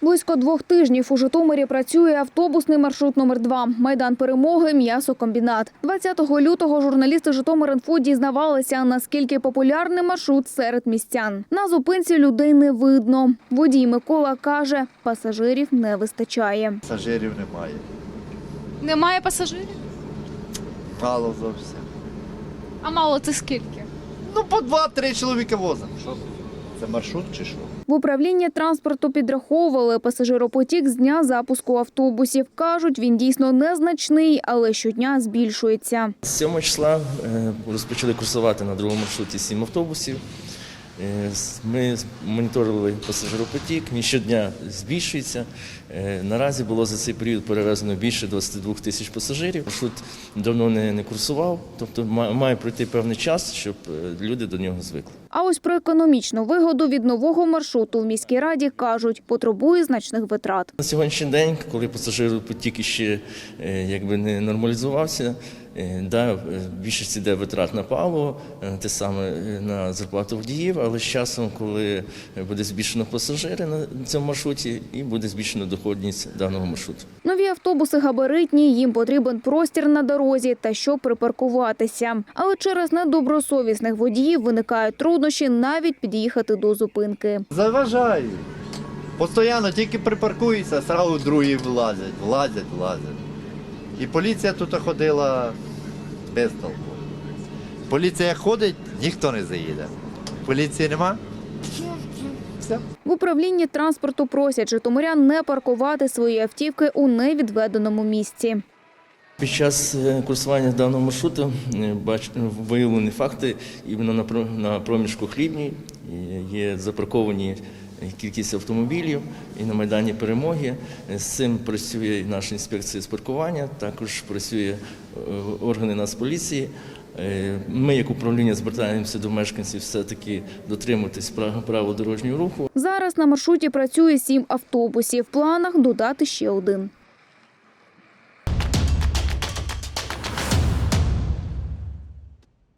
Близько 2 тижнів у Житомирі працює автобусний маршрут номер 2 Майдан Перемоги – м'ясокомбінат. 20 лютого журналісти Житомир.Інфо дізнавалися, наскільки популярний маршрут серед містян. На зупинці людей не видно. Водій Микола каже, пасажирів не вистачає. Пасажирів немає. Немає пасажирів? Мало зовсім. А мало це скільки? Ну, по 2-3 чоловіка возимо. Що це маршрут чи що? В управлінні транспорту підраховували пасажиропотік з дня запуску автобусів. Кажуть, він дійсно незначний, але щодня збільшується. З 7 числа розпочали курсувати на другому маршруті 7 автобусів. Ми моніторили пасажиропотік, він щодня збільшується. Наразі було за цей період перевезено більше 22 тисяч пасажирів. Маршрут давно не курсував, тобто має пройти певний час, щоб люди до нього звикли. А ось про економічну вигоду від нового маршруту в міській раді кажуть, потребує значних витрат. На сьогоднішній день, коли пасажиропотік ще не нормалізувався, більшість йде витрат на паливо, те саме на зарплату водіїв, але з часом, коли буде збільшено пасажири на цьому маршруті, і буде збільшено доходність даного маршруту. Нові автобуси габаритні, їм потрібен простір на дорозі та щоб припаркуватися. Але через недобросовісних водіїв виникають труднощі навіть під'їхати до зупинки. Заважають. Постоянно тільки припаркуються, одразу другі влазять. І поліція тут ходила без толку. Поліція ходить, ніхто не заїде. Поліції нема. Все. В управлінні транспорту просять житомирян не паркувати свої автівки у невідведеному місці. Під час курсування даного маршруту виявлені факти іменно на проміжку Хлібній. Є запарковані кількість автомобілів і на Майдані Перемоги. З цим працює наша інспекція з паркування, також працює органи Нацполіції. Ми, як управління, звертаємося до мешканців все-таки дотримуватись правил дорожнього руху. Зараз на маршруті працює 7 автобусів. В планах додати ще 1.